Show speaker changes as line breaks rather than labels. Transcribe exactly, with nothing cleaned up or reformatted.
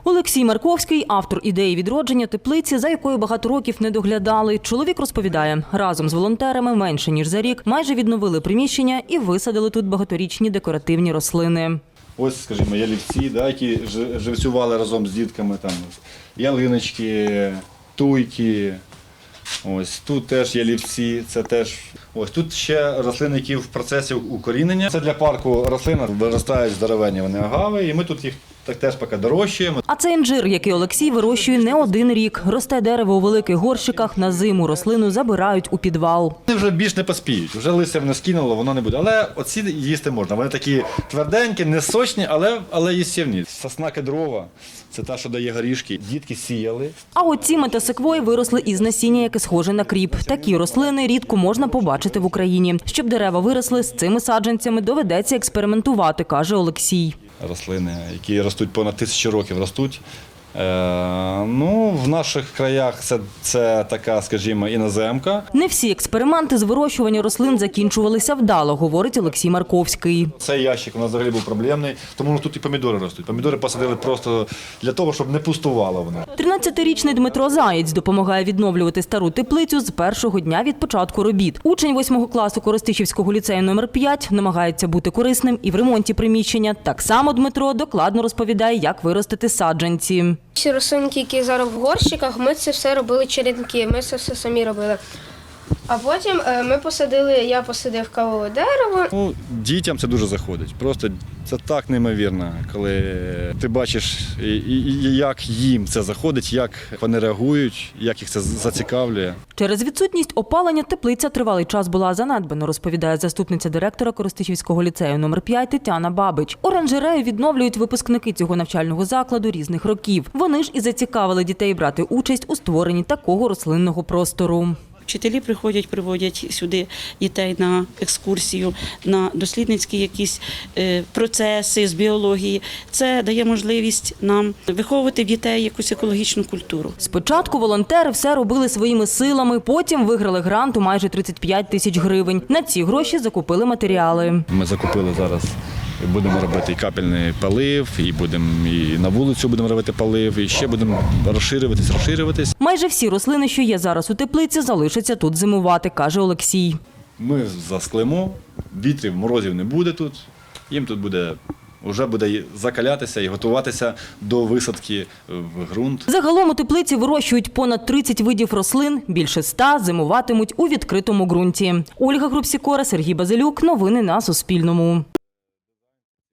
Олексій Марковський – автор ідеї відродження теплиці, за якою багато років не доглядали. Чоловік розповідає, разом з волонтерами менше ніж за рік майже відновили приміщення і висадили тут багаторічні декоративні рослини.
Ось, скажімо, ялівці, да, які живцювали разом з дітками, там, ялиночки, туйки. Ось тут теж ялівці, це теж. Ось тут ще рослини, які в процесі укорінення. Це для парку рослини виростають здоровенні вони агави, і ми тут їх так теж поки дорощуємо.
А це інжир, який Олексій вирощує не один рік. Росте дерево у великих горщиках, на зиму рослину забирають у підвал.
Вони вже більш не поспіють, вже листя не скинуло, воно не буде. Але оці їсти можна. Вони такі тверденькі, не сочні, але, але їстівні. Сосна кедрова – це та, що дає горішки. Дітки сіяли.
А от ці метасеквої виросли із насіння, яке схоже на кріп. Такі рослини рідко можна побачити в Україні. Щоб дерева виросли, з цими саджанцями доведеться експериментувати, каже Олексій.
Рослини, які ростуть понад тисячу років, ростуть. Е, ну, в наших краях це, це така, скажімо, іноземка.
Не всі експерименти з вирощування рослин закінчувалися вдало, говорить Олексій Марковський.
Цей ящик у нас взагалі був проблемний, тому тут і помідори ростуть. Помідори посадили просто для того, щоб не пустувало воно.
тринадцятирічний Дмитро Заєць допомагає відновлювати стару теплицю з першого дня від початку робіт. Учень восьмого класу Коростишівського ліцею номер п'ять намагається бути корисним і в ремонті приміщення. Так само Дмитро докладно розповідає, як виростити саджанці.
Всі рослинки, які зараз в горщиках, ми це все робили черенки, ми це все самі робили. А потім ми посадили, я посадив кавове дерево.
Ну, дітям це дуже заходить. Просто це так неймовірно, коли ти бачиш, як їм це заходить, як вони реагують, як їх це зацікавлює.
Через відсутність опалення теплиця тривалий час була занедбана, розповідає заступниця директора Коростишівського ліцею номер п'ять Тетяна Бабич. Оранжерею відновлюють випускники цього навчального закладу різних років. Вони ж і зацікавили дітей брати участь у створенні такого рослинного простору.
Вчителі приходять, приводять сюди дітей на екскурсію, на дослідницькі якісь процеси з біології. Це дає можливість нам виховувати в дітей якусь екологічну культуру.
Спочатку волонтери все робили своїми силами, потім виграли грант у майже тридцять п'ять тисяч гривень. На ці гроші закупили матеріали.
Ми закупили зараз. Будемо робити і капельний полив, і будемо і на вулицю будемо робити полив, і ще будемо розширюватись, розширюватись.
Майже всі рослини, що є зараз у теплиці, залишаться тут зимувати, каже Олексій.
Ми засклимо, вітрів, морозів не буде тут, їм тут буде, вже буде закалятися і готуватися до висадки в ґрунт.
Загалом у теплиці вирощують понад тридцять видів рослин, більше ста зимуватимуть у відкритому ґрунті. Ольга Грубсікора, Сергій Базилюк. Новини на Суспільному.